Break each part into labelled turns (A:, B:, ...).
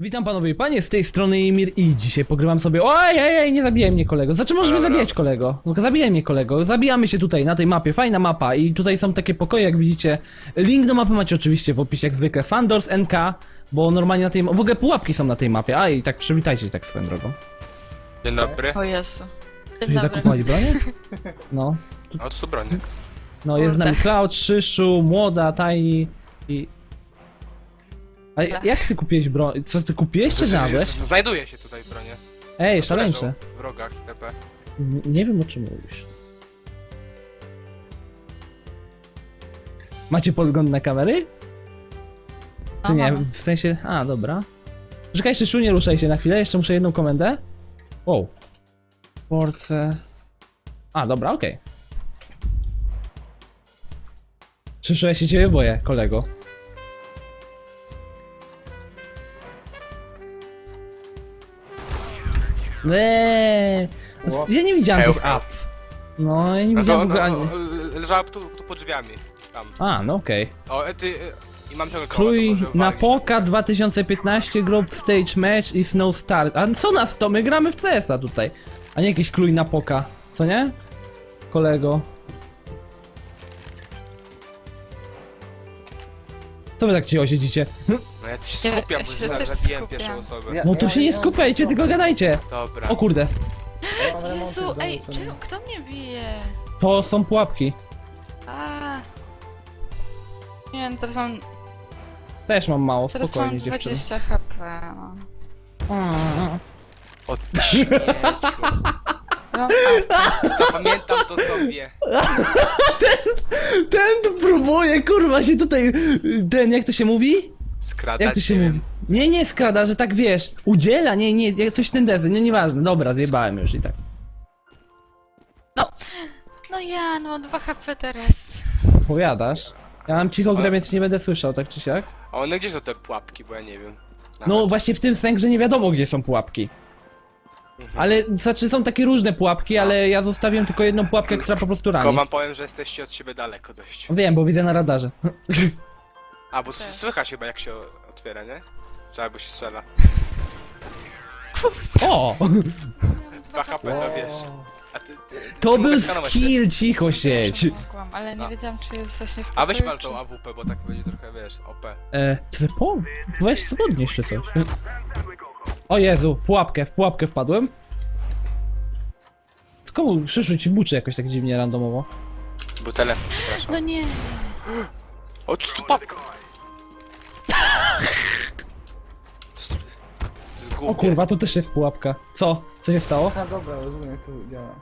A: Witam panowie i panie, z tej strony Emir i dzisiaj pogrywam sobie... Ojej, nie zabijaj mnie kolego, znaczy możesz mnie zabijać kolego. Zabijaj mnie kolego, zabijamy się tutaj na tej mapie, fajna mapa i tutaj są takie pokoje jak widzicie. Link do mapy macie oczywiście w opisie jak zwykle, Fandors NK, bo normalnie na tej... W ogóle pułapki są na tej mapie, a i tak przywitajcie się tak swoją drogą.
B: Dzień dobry.
C: O Jezu.
A: Czy
C: Dzień
A: tak
C: dobry.
A: kupowali bronię? No.
B: O, tu broni.
A: No jest z nami
C: Kurde.
A: Cloud, Szyszu, Młoda, Tiny i... A jak ty kupiłeś broń? Co ty kupiłeś czy znalazłeś?
B: Znajduje się tutaj bronie.
A: Ej, szaleńcze.
B: Leżą w rogach itp.
A: Nie wiem o czym mówisz. Macie podgląd na kamery? Czy nie?
C: Aha.
A: W sensie... A, dobra. Czekaj, Szyszu, nie ruszaj się na chwilę, jeszcze muszę jedną komendę. Wow. Porce... A, dobra, okej. Szyszu, ja się ciebie boję, kolego. Ja nie widziałem tych
B: Heł.
A: up. No, ja nie
B: No
A: widziałem
B: to,
A: w ogóle
B: no,
A: ani...
B: leżała tu pod drzwiami. Tam.
A: A, no okej.
B: O, ty... I mam tego
A: Krój na Poka 2015 Group Stage Match is no start. A co nas to? My gramy w CS-a tutaj. A nie jakiś krój na Poka. Co nie? Kolego. Co wy tak cicho siedzicie?
B: No ja tu się
C: Ja-
B: skupiam,
C: ja
B: bo
C: się
B: zaraz
C: też
B: zabiłem
C: skupiam.
B: pierwszą osobę.
A: No to się nie skupiajcie, tylko gadajcie.
B: Dobra.
A: O kurde.
C: Jezu, ej, czemu, kto mnie bije?
A: To są pułapki.
C: A. Nie wiem, teraz mam
A: Też mam mało,
C: teraz
A: spokojnie
C: mam
A: dziewczyny.
C: 20 HP. No.
B: O, śmieciu.
C: No,
B: Zapamiętam to sobie.
A: Ten tu próbuje, kurwa, się tutaj... Ten, jak to się mówi?
B: Skradać,
A: Jak to się
B: nie
A: mówi?
B: wiem.
A: Nie skrada, że tak wiesz. Udziela, nie, coś ten dezy, nieważne. Dobra, zjebałem już i tak.
C: no ja, no 2 HP teraz.
A: Powiadasz? Ja mam cicho grę, więc nie będę słyszał, tak czy siak.
B: A one gdzie są te pułapki, bo ja nie wiem.
A: No właśnie w tym sensie, że nie wiadomo gdzie są pułapki. Ale, znaczy są takie różne pułapki, ale ja zostawiłem tylko jedną pułapkę, która po prostu
B: Tylko
A: rani.
B: wam powiem, że jesteście od siebie daleko dość.
A: Wiem, bo widzę na radarze.
B: A, bo słychać chyba jak się otwiera, nie? Czy albo się strzela.
A: O!
B: 2 HP, no wiesz. A ty,
A: To był
B: mogę skanować
A: skill, cicho siedź!
C: Mogłam, ale nie
B: A.
C: wiedziałam, czy jest właśnie w
B: A weź
C: pokoju,
B: wal tą AWP, bo tak będzie trochę, wiesz, OP.
A: Ty weź co podnieś czy coś. O Jezu, w pułapkę wpadłem. Komu Szyszu ci buczy jakoś tak dziwnie randomowo?
B: Był telefon,
C: No
B: przepraszam.
C: nie.
B: O, co tu papka? To jest głupie.
A: O kurwa, to też jest pułapka. Co? Co się stało?
D: A dobra, rozumiem jak to działa.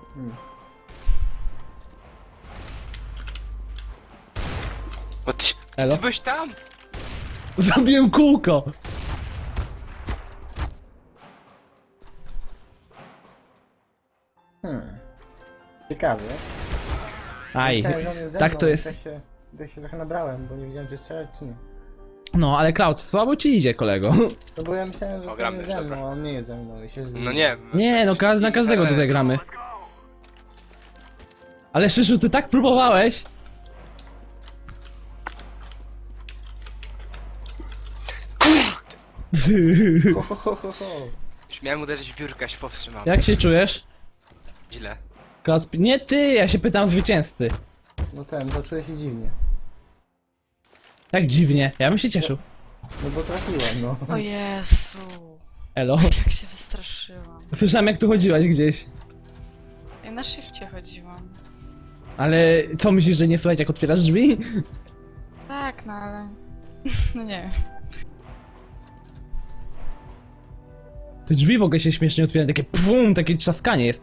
B: O, ty
A: Elo?
B: byłeś tam?
A: Zabiłem kółko!
D: Ciekawie.
A: Aj,
D: Myślałem, że on jest ze
A: tak
D: mną,
A: to
D: i
A: jest.
D: Tak się trochę nabrałem, bo nie wiedziałem czy strzelać czy nie.
A: No, ale Cloud, słabo ci idzie, kolego.
D: No bo ja myślałem, że
B: O,
D: to
B: gramy,
D: jest ze
B: dobra.
D: mną, a on nie jest ze mną i się
B: No nie.
A: Nie, no na każdego tutaj gramy. Ale Szyszu, ty tak próbowałeś?
D: Ho, ho, ho, ho, ho.
B: Już miałem uderzyć w biurkę, się powstrzymałem.
A: Jak się czujesz?
B: Źle.
A: Cloud, nie ty, ja się pytam zwycięzcy.
D: No to czuję się dziwnie.
A: Tak dziwnie, ja bym się cieszył.
D: No bo trafiłem, no.
C: O Jezu.
A: Elo.
C: Jak się wystraszyłam.
A: Słyszałem jak tu chodziłaś gdzieś.
C: Ja na shifcie chodziłam.
A: Ale co myślisz, że nie słychać jak otwierasz drzwi?
C: Tak, no ale... No nie wiem.
A: Te drzwi w ogóle się śmiesznie otwierają, takie pum, takie trzaskanie jest.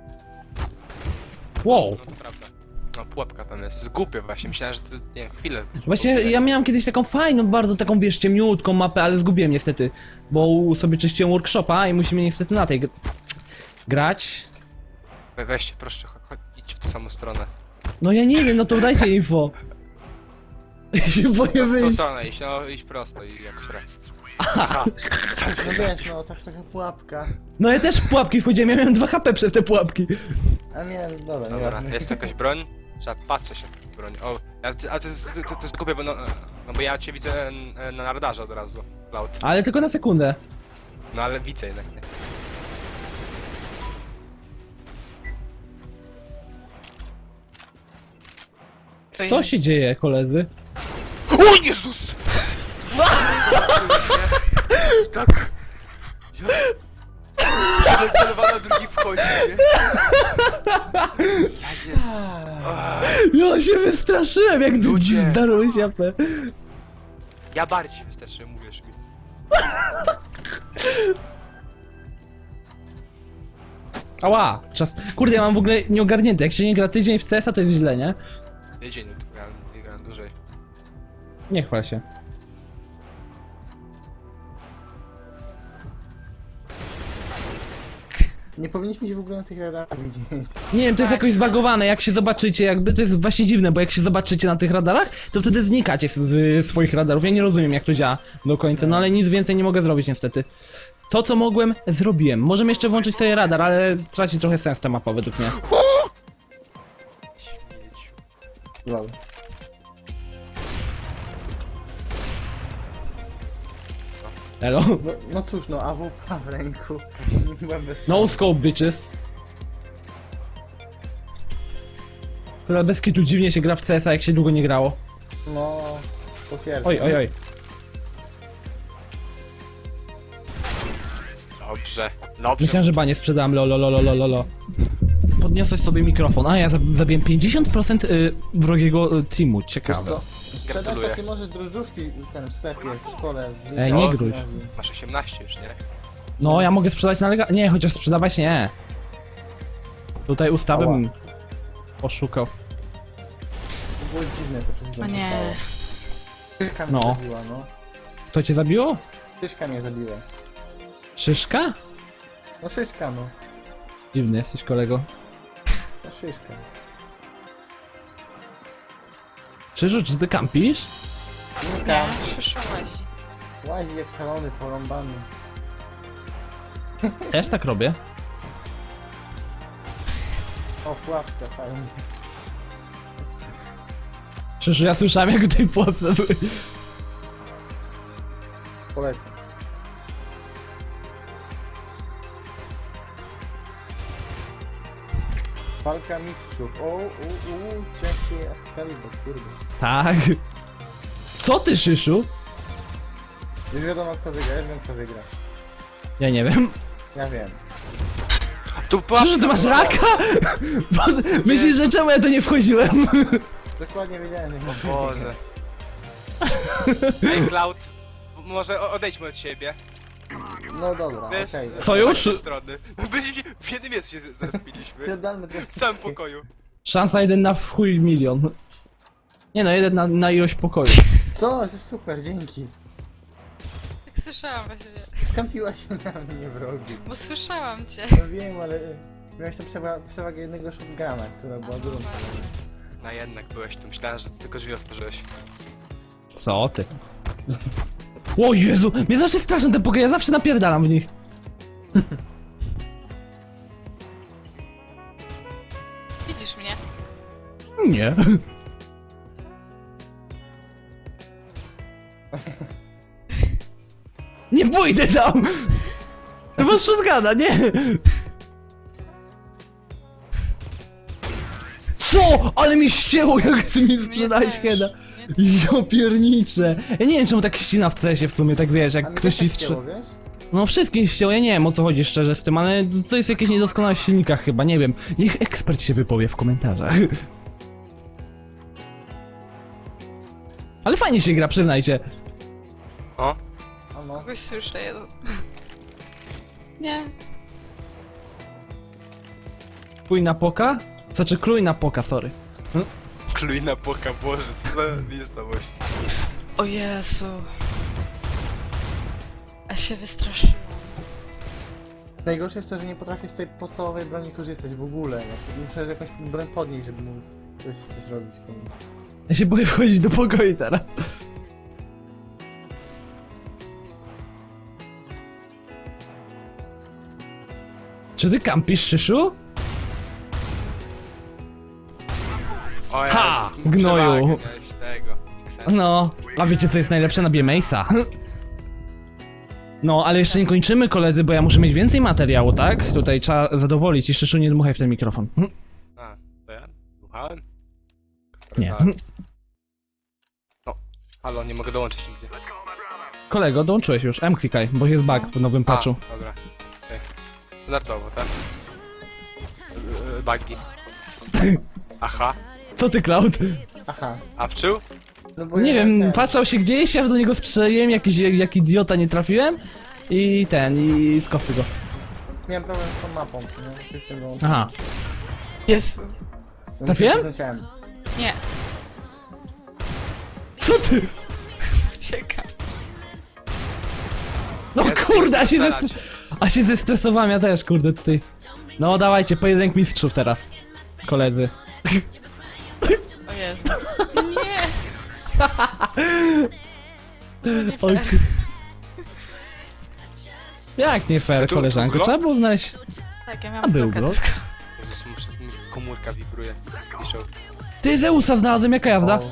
A: Wow.
B: No to prawda. No pułapka tam jest. Zgupie właśnie, myślałem, że to, nie wiem, chwilę.
A: Właśnie ja miałem kiedyś taką fajną, bardzo taką, wiesz, ciemniutką mapę, ale zgubiłem niestety. Bo sobie czyściłem workshopa i musimy niestety na tej grać.
B: Weźcie, proszę, idź w tę samą stronę.
A: No ja nie wiem, no to dajcie info. Ja się boję
B: W tą
A: wyjść.
B: stronę iść, no iść prosto i jakoś raz.
D: No wiesz, no tak trochę pułapka.
A: No ja też w pułapki wchodziłem, ja miałem 2 HP przez te pułapki.
D: A nie, dobra,
B: Dobra,
D: nieważne.
B: jest tu jakaś broń? Trzeba patrzeć się w broń. O, a to jest głupie, bo no bo ja cię widzę na radarze od razu, Cloud.
A: Ale tylko na sekundę.
B: No ale widzę jednak, nie?
A: Co się dzieje, koledzy?
B: O Jezus! Tak. Ja celowana, drugi wchodzi, nie? Ja jest.
A: Ja się wystraszyłem, jak
B: Ludzie.
A: zdarłeś japę.
B: Ja bardziej wystarczy, mówisz mi.
A: Ała, czas. Kurde, ja mam w ogóle nieogarnięte. Jak się nie gra tydzień w CS-a, to jest źle, nie?
B: Dzień, to grałem, nie grałem dłużej.
A: Nie chwal się.
D: Nie powinniśmy się w ogóle na tych radarach widzieć.
A: Nie wiem, to jest jakoś zbagowane, jak się zobaczycie, jakby to jest właśnie dziwne, bo jak się zobaczycie na tych radarach, to wtedy znikacie z swoich radarów. Ja nie rozumiem, jak to działa do końca, no ale nic więcej nie mogę zrobić niestety. To, co mogłem, zrobiłem. Możemy jeszcze włączyć sobie radar, ale traci trochę sens ta mapa według mnie.
B: Śmieciu.
D: Lol.
A: Elo?
D: No cóż, no AWP w ręku. Byłem bez
A: No scope, bitches. Chyba bez kitu dziwnie się gra w CS-a, jak się długo nie grało.
D: No, potwierdzam.
A: Oj, oj, oj.
B: Dobrze, dobrze.
A: Myślałem, że banie sprzedałem, lololololololo. Podniosłeś sobie mikrofon, a ja zabiłem 50% wrogiego teamu,
D: Wiesz
A: ciekawe.
D: co? Sprzedać
B: Gratuluję.
D: takie może drożdżówki ten w sklepie, w szkole. w
A: Ej, nie
D: liceum,
A: gruź.
D: gimnazjum.
B: Masz 18 już, nie?
A: No, ja mogę sprzedać na lega... Nie, chociaż sprzedawać nie. Tutaj ustawy
D: Ała.
A: bym poszukał.
D: To było dziwne, co przed chwilą
C: O
D: się
C: nie.
D: stało. Szyszka mnie
A: No.
D: zabiła, no.
A: Kto cię zabiło?
D: Szyszka mnie zabiła.
A: Szyszka?
D: No szyszka, no.
A: Dziwny jesteś, kolego.
D: No szyszka.
A: Krzyżu, czy ty kampisz?
D: Nika,
C: Nie, przyszłaś.
D: łazi jak szalony, porąbany.
A: Też tak robię.
D: O, pułapka, fajnie.
A: Krzyżu, ja słyszałem, jak w tej pułapce były.
D: Polecam. Walka mistrzów. O, ciężkie kaliber, kurde.
A: Tak. Co ty, Szyszu?
D: Już wiadomo kto wygra, ja wiem kto wygra.
A: Ja nie wiem.
D: Ja wiem.
B: Tu
A: Krzyżu, ty masz raka? Bo, myślisz, że czemu ja to nie wchodziłem?
D: Dokładnie wiedziałem, że
B: O Boże. Ej, Cloud, może odejdźmy od siebie.
D: No dobra,
B: Wiesz,
D: okej.
A: Sojusz?
B: z tej strony. Byliśmy w jednym miejscu się zrespiliśmy.
D: Pierdolmy
B: W całym pokoju.
A: Szansa 1 na w chuj milion. Nie no, 1 na ilość pokoju.
D: Co? Super, dzięki.
C: Tak słyszałam właśnie.
D: Skampiła się na mnie wrogi.
C: Bo słyszałam cię.
D: No wiem, ale miałeś tam przewagę jednego shotguna, która była
C: A,
D: dużą
C: no właśnie.
D: przewagą.
B: No jednak byłeś tu, myślałem, że ty tylko drzwi otworzyłeś.
A: Co ty? O Jezu, mnie zawsze straszą te pokoje, ja zawsze napierdalam w nich.
C: Widzisz mnie?
A: Nie. Nie pójdę tam! To masz shotguna, nie! Co? Ale mi ścięło, jak ty mi sprzedałeś
C: też.
A: heada.
C: Nie-
A: Ja pierniczę. Ja nie wiem, czemu tak ścina w CS-ie w sumie, tak wiesz,
D: A
A: jak
D: mi
A: ktoś
D: też
A: ci
D: tak
A: strzela.
D: chciało, wiesz?
A: No wszystkim ścięło, ja nie wiem o co chodzi szczerze z tym, ale to jest jakieś niedoskonałość w silnikach chyba, nie wiem. Niech ekspert się wypowie w komentarzach. Ale fajnie się gra, przyznajcie.
B: O,
D: A no.
C: Kogoś słyszę, jeden. Nie.
A: Krój na poka? Znaczy krój na poka, sorry.
B: kluj na boka, Boże, co za miejscowość.
C: O Jezu. A się wystraszyłam.
D: Najgorsze jest to, że nie potrafię z tej podstawowej broni korzystać w ogóle. Muszę jakąś broń podnieść, żeby móc coś zrobić. kurde.
A: Ja się boję wchodzić do pokoju teraz. Czy ty kampisz, Szyszu?
B: O
A: Ha!
B: Jezus,
A: Gnoju.
B: przewagę miałeś tego, Xen.
A: No, a wiecie co jest najlepsze? Na Mace'a. No, ale jeszcze nie kończymy, koledzy, bo ja muszę mieć więcej materiału, tak? Tutaj trzeba zadowolić i Szyszu, nie dmuchaj w ten mikrofon.
B: A, to ja? Słuchałem?
A: Nie.
B: No, halo, nie mogę dołączyć nigdzie.
A: Kolego, dołączyłeś już, klikaj, bo jest bug w nowym patchu.
B: A, dobra. Okay. Standardowo, tak? Bugi. Aha.
A: Co ty, Cloud?
D: Aha.
B: A pszczół?
D: No bo
A: Nie
D: ja
A: wiem,
D: ten-
A: patrzał się gdzieś, ja do niego strzeliłem, jak idiota nie trafiłem i z kosy go.
D: Miałem problem z tą mapą, nie? Czy z tym wyłączeniem.
A: Aha.
C: Jezu.
D: No,
A: Trafiłem?
D: przekręciłem.
C: Nie,
A: Co ty?
C: uciekam.
A: No
B: Ja
A: kurde,
B: chcę strzelać.
A: a się zestresowałem, ja też, kurde, tutaj. No dawajcie, pojedynek mistrzów teraz, koledzy.
C: O Jezu. Nie.
A: Oj, ku- Jak nie fair,
B: Tu-
A: koleżanko,
B: tu
A: trzeba było znaleźć...
C: Tak, ja
A: A
C: miałam
A: był
C: blokę
A: blok?
C: tylko.
B: Jezus, muszę, mi komórka wibruje. Piszą.
A: Ty, Zeusa znalazłem, jaka jazda?
D: O,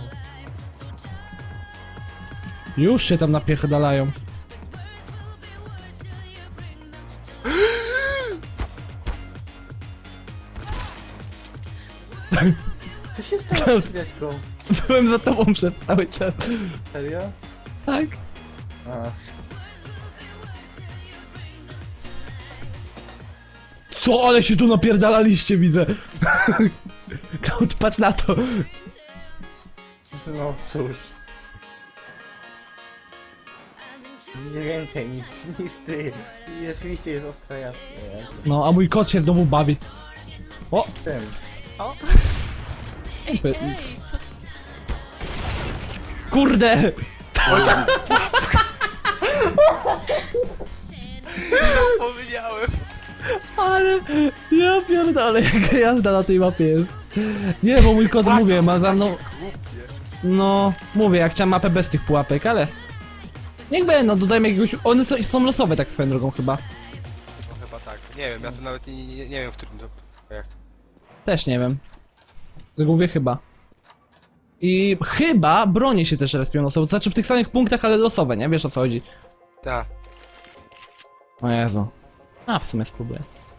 A: Już się tam napierdalają.
D: Co się stało z chwileczką?
A: Byłem za tobą przez cały czas.
D: Serio?
A: Tak?
D: A.
A: Co, ale się tu napierdalaliście, widzę. Cloud, patrz na to.
D: No cóż. Widzę więcej niż ty. I rzeczywiście jest ostra jasna.
A: No, a mój kot się znowu bawi. O,
D: Tym.
C: O. Ej,
A: By-
C: ej, co?
A: kurde!
B: Powiedziałem.
A: Ale ja pierdolę, jaka jazda na tej mapie jest. Nie, bo mój kot, mówię, ma za mną... No, mówię, ja chciałem mapę bez tych pułapek, ale... Niech będą, dodajmy jakiegoś... One są losowe tak swoją drogą chyba.
B: No chyba tak. Nie wiem, ja to nawet nie wiem, w którym to... Jak.
A: Też nie wiem. Tylko mówię chyba. I chyba bronie się też respią losowo, to znaczy w tych samych punktach, ale losowe, nie? Wiesz o co chodzi.
B: Tak.
A: O Jezu. A, w sumie spróbuję.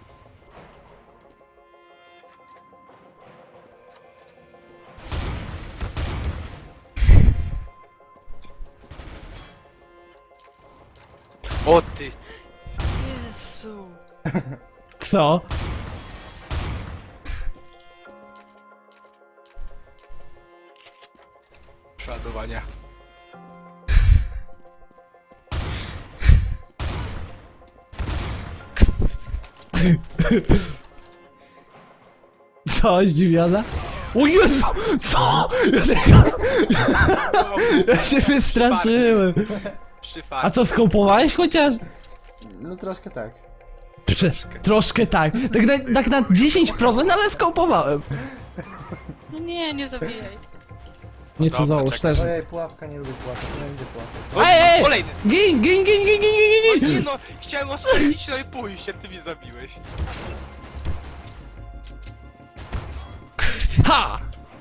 B: O ty!
C: Jezu.
A: Co?
B: Przeładowania.
A: Co, zdziwiona? O Jezu! Co? Ja, tego... ja się wystraszyłem. A co, skopowałeś chociaż?
D: No troszkę tak.
A: Troszkę tak. Tak na 10%, ale skopowałem.
C: No nie, nie zabijaj.
A: Nie co
B: Dobra,
A: załóż
B: czekaj.
A: też.
D: Ojej, pułapka, nie lubię pułapek, nie lubię pułapek.
B: O,
A: Ej!
B: kolejny!
A: Gin, gin, gin, gin, gin, gin, gin,
B: Nie
A: gin.
B: no, chciałem oswoić, no i pójść, a ty mnie zabiłeś.
A: Ha!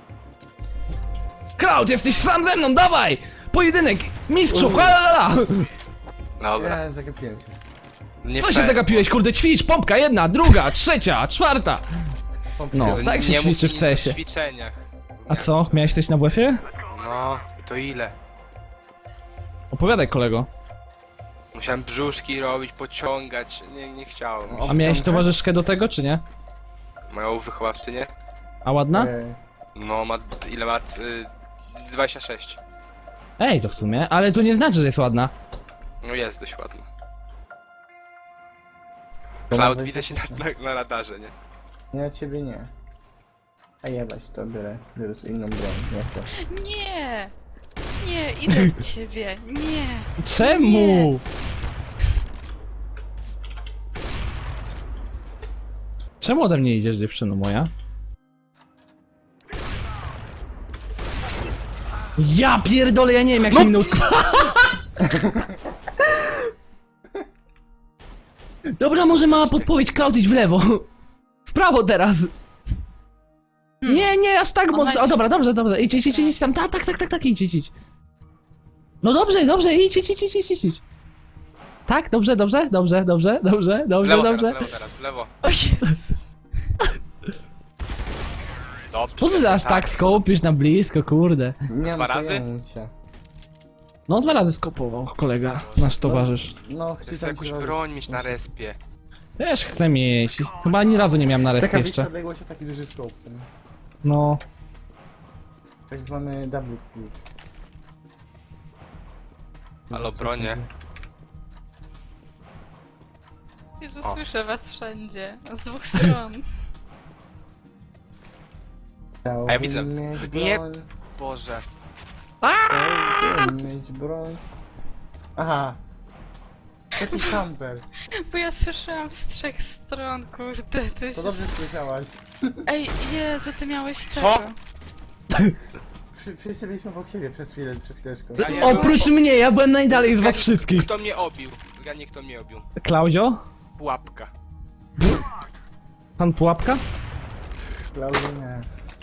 A: Cloud, jesteś sam ze mną, dawaj! Pojedynek mistrzów, ha, la, la.
B: Dobra.
D: Ja zagapiłem się.
B: Nie
A: Co się
B: fair.
A: zagapiłeś, kurde, ćwicz, pompka, jedna, druga, trzecia, czwarta. No,
B: Jezu,
A: tak się
B: nie mów
A: ćwiczy
B: mi
A: w
B: nic
A: CS-ie.
B: o ćwiczeniach.
A: A co, miałeś coś na WF-ie?
B: No, to ile?
A: Opowiadaj, kolego.
B: Musiałem brzuszki robić, pociągać, nie chciałem.
D: O.
A: A miałeś
D: Obciągać?
A: towarzyszkę do tego, czy nie?
B: Moją wychowawczynię?
A: A ładna?
D: Ojej.
B: No, ma... ile ma? 26.
A: Ej, to w sumie, ale to nie znaczy, że jest ładna.
B: No jest dość ładna.
D: To
B: Cloud,
D: nawet-
B: widzę się na radarze, nie?
D: Nie, ciebie nie. A jebać, to biorę sobie inną broń, nie chcę.
C: Nie. Nie, idę do ciebie. Nie.
A: Czemu? Czemu ode mnie idziesz, dziewczyno moja? Ja pierdolę, ja nie wiem jak minął Dobra, może mała podpowiedź, Cloud, idź w lewo. W prawo teraz. Nie, nie, aż tak mocno. O, dobra, dobrze, dobrze. Idź tam. Tak, idź. No dobrze, idź. Tak, dobrze, dobrze, dobrze, dobrze, dobrze,
B: W
A: dobrze,
B: lewo
A: dobrze.
B: teraz, w lewo teraz, w lewo.
C: O Jezu.
B: Dobrze.
A: Po co ty aż tak skopisz na blisko, kurde?
D: Nie mam
B: Dwa razy?
D: pojęcia.
A: No 2 razy skopował kolega, nasz towarzysz.
D: No,
B: Chcę
D: wcisam
B: jakąś
D: ci
B: broń mieć na respie.
A: Też chcę mieć. Chyba ani razu nie miałem na respie
D: Taka
A: jeszcze.
D: bliska odległość, a taki duży scope, co nie?
A: No.
D: Tak zwany double click.
B: Halo, bronie.
C: Jezu,
B: O.
C: słyszę was wszędzie. Z dwóch stron.
B: A ja widzę.
D: Chciałbym mieć
B: Nie.
D: broń,
B: Boże.
D: chciałbym mieć broń. Aha. Taki camper.
C: Bo ja słyszałam z 3 stron, kurde. To
D: To
C: się...
D: dobrze słyszałaś.
C: Ej, Jezu, ty miałeś
B: Co?
C: tego.
D: Wszyscy byliśmy obok siebie przez chwileczkę.
B: Ja nie
A: Oprócz mnie, ja byłem najdalej z was wszystkich.
B: Kto mnie obił? Zgadnij, kto mnie obił.
A: Klauzio?
B: Pułapka.
A: Pan Pułapka?
D: Klaudia nie.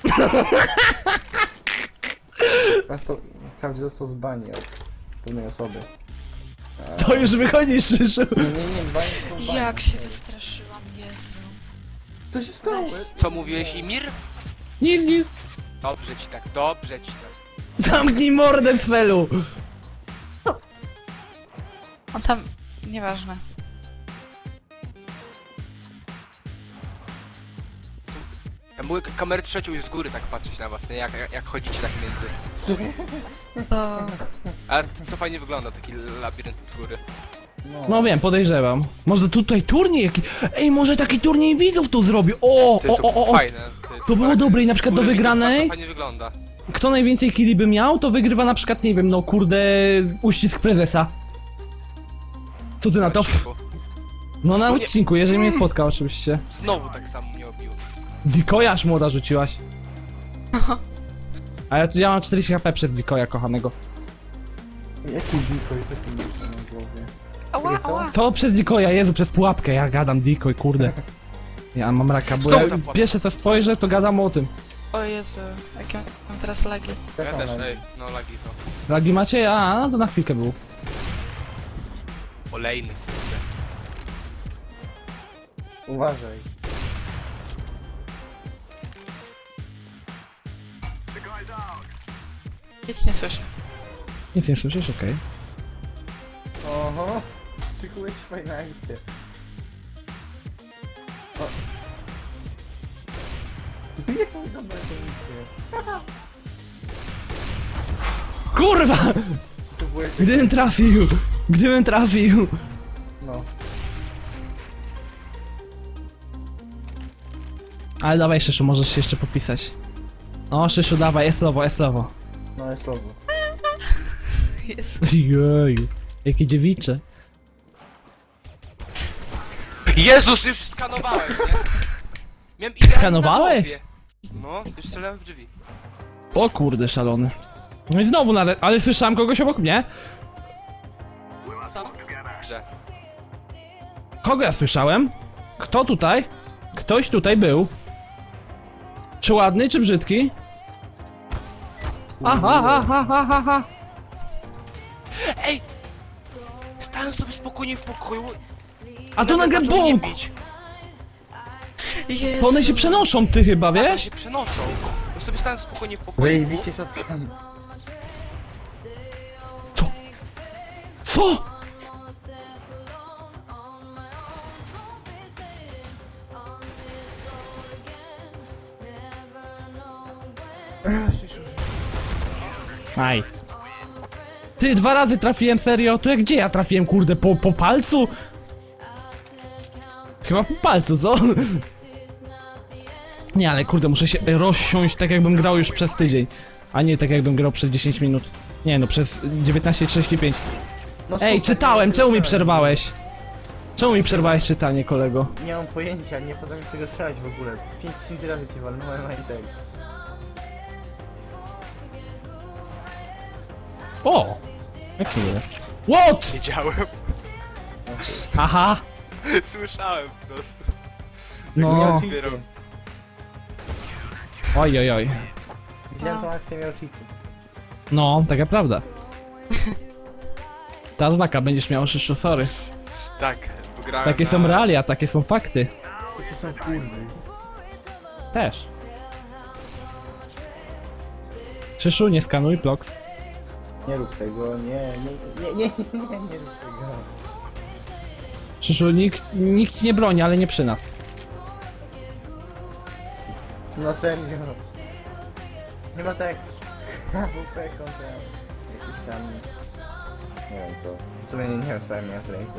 D: Klaudia dostał z bani od pewnej osoby.
A: To już wychodzi, Szyszu.
D: Nie, z bani to z bani.
C: Jak się wystraszyłam, Jezu.
D: Co się stało?
B: Co mówiłeś, Imir?
A: Nic, nic.
B: Dobrze ci tak, dobrze ci tak.
A: Zamknij mordę, Sfelu.
C: On tam... Nieważne.
B: Ja mogę kamerę trzecią już z góry tak patrzeć na was, nie? Jak chodzicie tak między.
C: To...
B: Ale to fajnie wygląda, taki labirynt od góry.
A: No wiem, podejrzewam. Może tutaj turniej jaki... Ej, może taki turniej widzów tu zrobił. O,
B: Ty,
A: o,
B: to
A: o, o.
B: fajne. Ty,
A: To było
B: tak
A: dobre i na
B: z
A: przykład do
B: góry widok,
A: wygranej?
B: To fajnie wygląda.
A: Kto najwięcej killi by miał, to wygrywa na przykład, nie wiem, no kurde, uścisk prezesa. Co ty na to?
B: Odcinku.
A: No na
B: No nie-
A: odcinku, jeżeli mnie spotka oczywiście.
B: Znowu tak samo mnie obił.
A: Dikoja aż młoda rzuciłaś. A ja mam 40 HP przez Dikoja kochanego.
D: Jaki decoy, co ty masz na głowie?
C: Ała,
D: Co?
C: ała.
A: To przez Dikoja, Jezu, przez pułapkę, ja gadam Dikoj, kurde. Ja mam raka, bo
B: Znowu
A: ja
B: ta pułapka.
A: pierwsze co spojrzę, to gadam o tym.
C: O Jezu, jakie mam teraz lagi.
B: Ja
D: Jak
B: też,
D: ona?
B: ej, no lagi to.
A: Lagi macie? A, no to na chwilkę był.
B: Olejny.
D: Uważaj.
C: Nic nie słyszę.
A: Nic nie słyszysz? Okej.
D: Oho. Szykułeś fajna akcja. O. Jaką dobrą komisję.
A: Kurwa!
D: To było jak...
A: Gdybym trafił! Gdybym trafił!
D: No.
A: Ale dawaj, Szyszu, możesz się jeszcze popisać. O, Szyszu, dawaj, eslowo, eslowo.
D: No jest słowo.
C: Jezu.
A: Jeju, jakie dziewicze.
B: Jezus, już skanowałem, nie? Miałem idealnie
A: Skanowałeś?
B: na głowie. No, już strzelałem w drzwi.
A: O kurde, szalony. No i znowu, ale słyszałem kogoś obok mnie.
B: Grze.
A: Kogo ja słyszałem? Kto tutaj? Ktoś tutaj był. Czy ładny, czy brzydki? Aha, aha, aha, aha.
B: Ej! Stałem sobie spokojnie w pokoju.
A: A to nagle
B: zaczął mnie
A: bum!
B: bić.
C: Jezu.
A: To one się przenoszą, ty chyba,
B: One
A: wiesz?
B: się przenoszą. Ja sobie stałem spokojnie w pokoju.
D: Zajebiście środkami.
A: Co? Aj. Ty, 2 razy trafiłem, serio? To jak gdzie ja trafiłem, kurde, po palcu? Chyba po palcu, co? Nie, ale kurde, muszę się rozsiąść tak jakbym grał już przez tydzień. A nie tak jakbym grał przez 10 minut. Nie no, przez 19:35.
D: No
A: Ej,
D: super,
A: czytałem,
D: nie
A: czemu mi
D: strzelać.
A: przerwałeś? Czemu mi przerwałeś czytanie, kolego?
D: Nie mam pojęcia, nie potrafię z tego strzelać w ogóle. 5 razy cię walnąłem, a i tak.
A: O! Jak miłe. What?
B: Wiedziałem.
A: Aha!
B: Słyszałem po prostu.
A: No.
D: Miał
B: Zbieram.
D: cheaty.
A: Oj, oj, oj.
D: Widziałem tą akcję, miał cheaty.
A: No, taka prawda. Ta znaka będziesz miał, Szyszu, sorry.
B: Tak, grałem
A: Takie są realia, takie są fakty.
D: Jakie są kurwy.
A: Też. Szyszu, nie skanuj, Plox.
D: Nie rób tego, nie rób tego.
A: Szyszu, nikt ci nie broni, ale nie przy nas.
D: No serio. Nie ma tak. AWP kontra jakiś tam... Nie wiem co. W sumie nie wiem co ja miałem w ręku.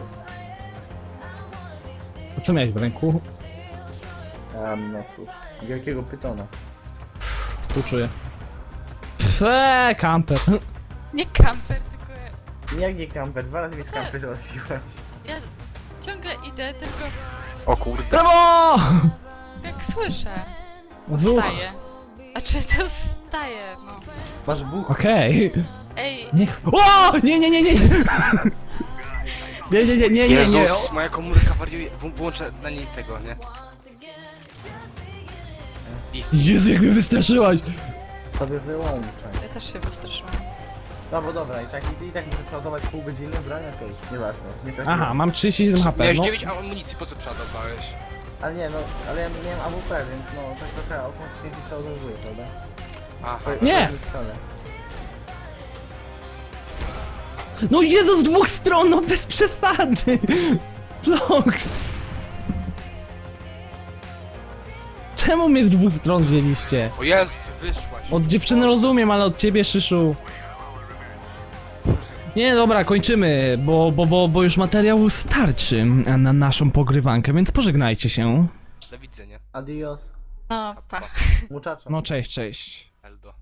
A: To co miałeś w ręku?
D: No cóż. Wielkiego pytona.
A: Współczuję. Kamper.
C: Nie kamper, tylko
D: Jak nie kamper? 2 razy mi z kamper załatwiłaś.
C: ja ciągle idę, tylko
B: O kurde.
A: Brawo!
C: jak słyszę,
A: Zuch.
C: staję. A czy to staje, no.
D: Masz buch.
A: Okej.
C: Ej,
A: Niech... O! Nie! Nie, nie.
B: Jezus, moja komórka wariuje. Włączę na niej tego, nie?
A: Jezu, jak mnie wystraszyłaś!
D: Sobie wyłączaj.
C: ja też się wystraszyłam.
D: No bo dobra, i tak muszę przeładować pół godziny, broń okej, nieważne. Nie trafiłem.
A: Aha, mam 37 HP,
B: Miałeś
A: no.
B: 9 amunicji, po co przeładowałeś?
D: Ale nie, no, ale ja miałem AWP, więc no, tak trochę automatycznie się przeładowuje, prawda?
B: Aha.
A: Nie.
D: Strzelę.
A: No Jezu, z dwóch stron, no bez przesady! Plox! Czemu mnie z dwóch stron wzięliście?
B: O Jezu, ty wyszłaś.
A: Od dziewczyny rozumiem, ale od ciebie, Szyszu. Nie, dobra, kończymy, bo już materiał starczy na naszą pogrywankę, więc pożegnajcie się.
B: Do widzenia.
D: Adios,
C: No, pa.
D: muchacho.
A: No cześć, cześć.
B: Eldo.